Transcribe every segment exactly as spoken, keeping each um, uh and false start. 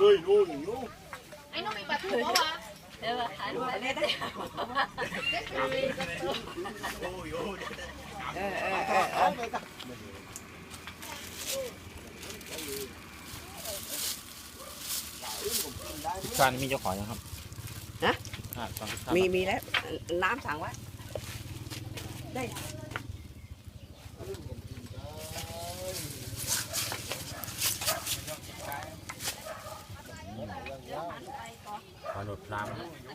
เลยนู่นอยู่ไอ้น้องมีปลาทูปะวะเดี๋ยวหาดูมาเล่นได้เออเออเออเออจานมีเจ้าของยังครับฮะอ่าตอนที่มีมีแล้วน้ำสั่งไว้ได้ปลาหนุดพราม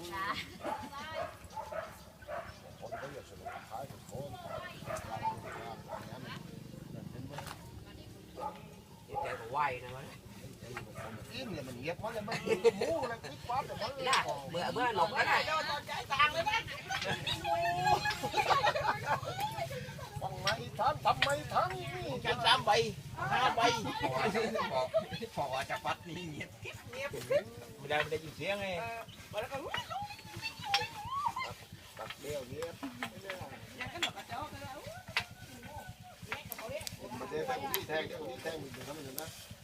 แกก็ไหวนะวะอิ่มเลยมันเงียบเพราะเลยมันหมูเลยคลิกปั๊บเลยมันน่ะเมื่อเมื่อหลบก็ได้ฟังไหมทันทำไมทันนี่แค่สามใบห้าใบพอจะปัดนี่เงียบไม่ได้ไม่ได้ยินเสียงไงตัดเดียวเงียบไม่ได้แทงนี่แทงเดี๋ยวนี้แทงมันจะทำยังไงนะ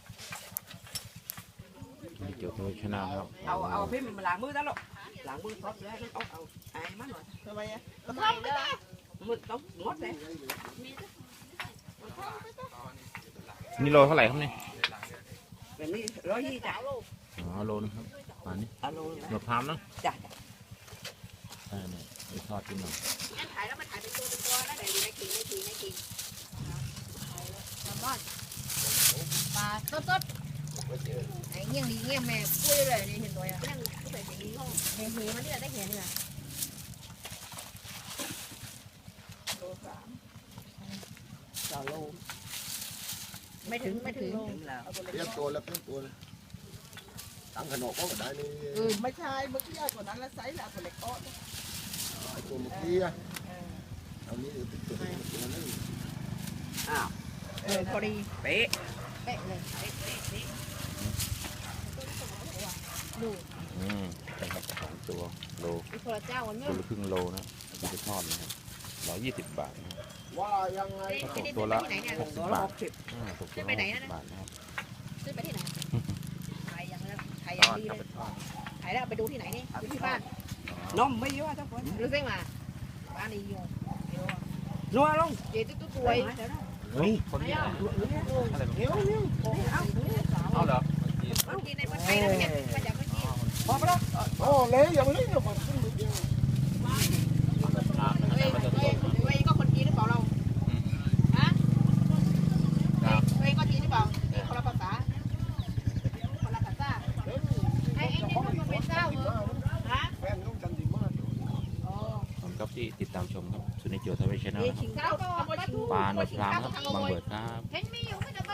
เกี่ยวกับชนะครับเอาเอาพี่มันมาล้างมือแล้วหรอกล้างมือซอสแล้วเอาเอาไอ้มันหน่อยทำไมอ่ะทำไมเด้อมือต้องงดเลยนี่โลเท่าไหร่ครับเนี่ยแบบนี้ร้อยยี่จ้ะอ๋อโลนะครับมานี่เอาโลหนุดพรามเนาะจ้ะใช่เนี่ยไปทอดกินหน่อยงั้นถ่ายแล้วมาถ่ายเป็นตัวเป็นตัวแล้วเดี๋ยวอยู่ในกิ่งในกิ่งในกิ่งแซลมอนปลาสดๆไอ้เงี้ยงดีเงี้ยงแม่ปุ้ยเลยนี่เห็นตัวอ่ะเงี้ยงก็ใส่สีห้องเห็นหีมันนี่แหละได้เห็นนี่แหละต่อโลไม่ถึงไม่ถึงถึงแล้วเตรียมตัวแล้วเตรียมตัวเลยตั้งขนมก็ได้นี่อืมไม่ใช่เมื่อกี้ใหญ่กว่านั้นแล้วไซส์หลักกว่าเล็กโต๊ะไอ้ตัวเมื่อกี้อะเอานี้ติดตัวตัวนี้อ้าวเออพอดีเป๊ะเป๊ะเลยเป๊ะเป๊ะเป๊ะดูอืมใช่ครับสองตัวโลอีกคนละเจ้าวันตัเมื่วอละครึ่งโลนะจะไปทอดนะครับร้อยยี่สิบบาทนะครับว่ายังไงตกตัวละหกสิตับวละบาหทกสิบอ่าตกตัวละหกสิบบาทนะครับซื้อไปที่ไหนถ่ายอย่างนั้นถ่ายอทย่างอดดีกับเลไปยทอดถ่ายแล้วไปดูที่ไหนนี่ดูที่บ้านนมไม่เยอะทุกคนรู้สึกมาบ้านนี้อยู่นัวลงเจ๊ตุ๊ตุ๊ตัวเฮ้ยคนนี้อะไรแบบนี้ เอาเหรอคนกินในประเทศแล้วเนี่ยมาจากเมื่อกี้พอไปแล้วโอ้เลยอย่างนี้เนี่ยมันขึ้นไปเดียวเฮ้ยเฮ้ยเฮ้ยก็คนจีนหรือเปล่าเราฮะเฮ้ยก็จีนหรือเปล่านี่คนละภาษาคนละภาษาไอ้ไอ้นี่มันเป็นเจ้าเหรอฮะแฟนต้องจันดีมากอ๋อขอบคุณครับที่ติดตามชมครับสุนิจโจทวีชแนลนี่นะครับชิงเจ้าก็ปลาหนวดพรามครับบางเบิดครับเห็นมีอยู่